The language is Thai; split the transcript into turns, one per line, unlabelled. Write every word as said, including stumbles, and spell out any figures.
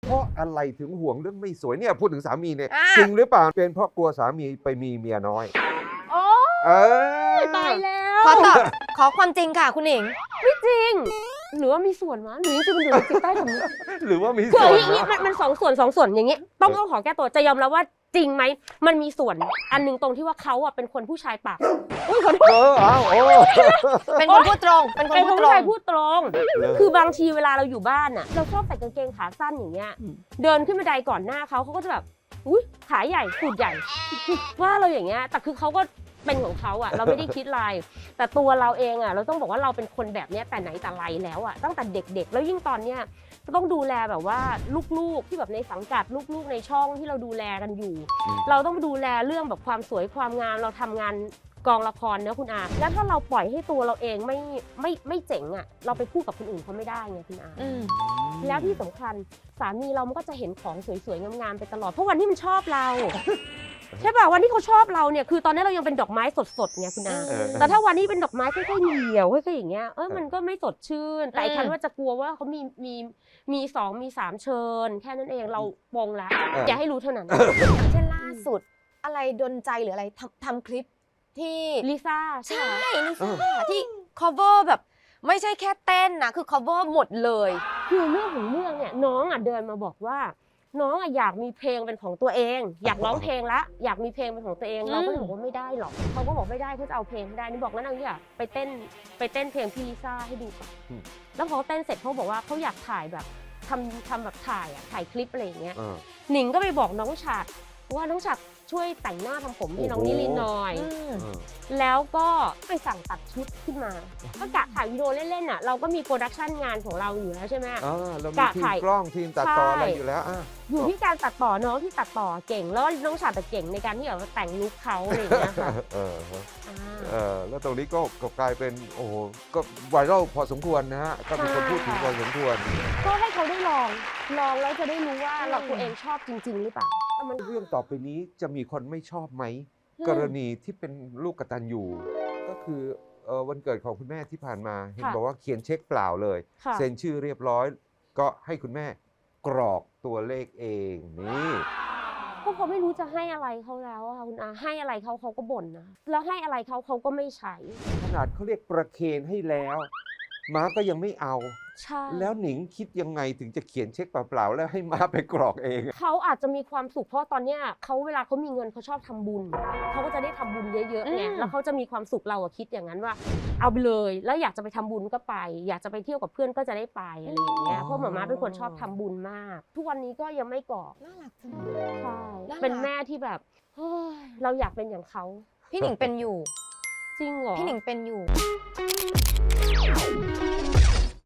เพราะอะไรถึงห่วงเรื่องไม่สวยเนี่ยพูดถึงสามีเนี่ยจริงหรือเปล่าเป็นเพราะกลัวสามีไปมีเมียน้อย
โอ้ยตายแล้ว
ขอตอบขอความจริงค่ะคุณหนิง
ไม่จริงหรือว่ามีส่วนวะหรือจริงๆมันอยู่ในจิตใต้สำนึก
หรือว่ามี
ส่
วน
อย่างนี้มันมันสองส่วนสองส่วนอย่างนี้ต้องต้องขอแก้ตัวจะยอมรับว่าจริงไหมมันมีส่วนอันนึงตรงที่ว่าเขาอ่ะเป็นคนผู้ชายปาก
เอออ้าวโอ้
เป็นคนพูดตรงเป็นคนพูดตรง
ผู้ชายพูดตรงคือบางทีเวลาเราอยู่บ้านอ่ะเราชอบใส่กางเกงขาสั้นอย่างเงี้ยเดินขึ้นบันไดก่อนหน้าเขาเขาก็จะแบบอุ้ยขาใหญ่สูดใหญ่ว่าเราอย่างเงี้ยแต่คือเขาก็เป็นของเขาอ่ะเราไม่ได้คิดอะไรแต่ตัวเราเองอ่ะเราต้องบอกว่าเราเป็นคนแบบนี้แต่ไหนแต่ไรแล้วอ่ะตั้งแต่เด็กๆแล้วยิ่งตอนเนี้ยต้องดูแลแบบว่าลูกๆที่แบบในสังกัดลูกๆในช่องที่เราดูแลกันอยู่เราต้องดูแลเรื่องแบบความสวยความงามเราทำงานกองละครเนอะคุณอาแล้วถ้าเราปล่อยให้ตัวเราเองไม่ไม่ไม่เจ๋งอ่ะเราไปพูดกับคนอื่นเขาไม่ได้ไงคุณอาแล้วที่สำคัญสามีเรามันก็จะเห็นของสวยๆงามๆไปตลอดเพราะวันที่มันชอบเราใช่ป่ะวันที่เขาชอบเราเนี่ยคือตอนนี้เรายังเป็นดอกไม้สดๆไงคุณอาแต่ถ้าวันนี้เป็นดอกไม้ค่อยๆเหี่ยวค่อยๆอย่างเงี้ยเออมันก็ไม่สดชื่นแต่ฉันว่าจะกลัวว่าเขามีมีมีสองมีสามเชิญแค่นั้นเองเราปงแล้วอย่าให้รู้เท่านั้น
เช่นล่าสุดอะไรดลใจหรืออะไรทำทำคลิปที่
ลิซ่า
ใช่ลิซ่าที่ cover แบบไม่ใช่แค่เต้นนะคือ cover หมดเลย
คือเรื่องของเรื่องเนี่ยน้องอ่ะเดินมาบอกว่าน้องอะอยากมีเพลงเป็นของตัวเองอยากร้องเพลงละอยากมีเพลงเป็นของตัวเองเราก็เลยบอกว่าไม่ได้หรอกเขาก็บอกไม่ได้เขาจะเอาเพลงไม่ได้นี่บอกงั้นเอาอย่างไปเต้นไปเต้นเพลงพี่ลิซ่าให้ดูก่อนแล้วพอเต้นเสร็จเขาบอกว่าเขาอยากถ่ายแบบทำทำแบบถ่ายอะถ่ายคลิปอะไรอย่างเงี้ยหนิงก็ไปบอกน้องฉัดว่าน้องฉัดช่วยแต่งหน้าทำผมให้น้องนิลินหน่อยแล้วก็ไปสั่งตัดชุดขึ้นมาก็กะถ่ายวิดีโอเล่นๆน่ะเราก็มีโปรดักชันงานของเราอยู่แล้วใช่ไหม
กะถ่ายกล้องทีมตัดต่ออะไรอยู่แล้ว
อยู่ที่การตัดต่อน้องที่ตัดต่อเก่งแล้วน้องฉัดแต่เก่งในการที่แบบแต่งลุคเขาอะไรอย่างเงี้ยค่ะ
เออเออแล้วตรงนี้ก็กลายเป็นโอ้โหก็ไวรัลพอสมควรนะฮะก็มีคนพูดถึงพอสมควร
ก็ให้เขาได้ลองลองแล้วจะได้รู้ว่าเราตัวเองชอบจริงๆหรือเปล่า
เรื่องต่อไปนี้จะมีคนไม่ชอบไหมกรณีที่เป็นลูกกตัญญูก็คือวันเกิดของคุณแม่ที่ผ่านมาเห็นบอกว่าเขียนเช็คเปล่าเลยเซ็นชื่อเรียบร้อยก็ให้คุณแม่กรอกตัวเลขเองนี่
พวกเขาไม่รู้จะให้อะไรเขาแล้วค่ะคุณอาให้อะไรเขาเขาก็บ่นนะแล้วให้อะไรเขาเขาก็ไม่ใช้
ขนาดเขาเรียกประเคนให้แล้วม้าก็ยังไม่เอา
ใช่
แล้วหนิงคิดยังไงถึงจะเขียนเช็คเปล่าๆแล้วให้ม้าไปกรอกเอง
เขาอาจจะมีความสุขเพราะตอนเนี้ยเขาเวลาเขามีเงินเขาชอบทำบุญเขาก็จะได้ทำบุญเยอะๆไงแล้วเขาจะมีความสุขเราอะคิดอย่างนั้นว่าเอาไปเลยแล้วอยากจะไปทำบุญก็ไปอยากจะไปเที่ยวกับเพื่อนก็จะได้ไปอะไรอย่างเงี้ยเพราะหม่าม้าเป็นคนชอบทำบุญมากทุกวันนี้ก็ยังไม่กรอก
น่ารักจัง
ใช่เป็นแม่ที่แบบเฮ้ยเราอยากเป็นอย่างเขา
พี่หนิงเป็นอยู่
จริงเหรอ
พี่หนิงเป็นอยู่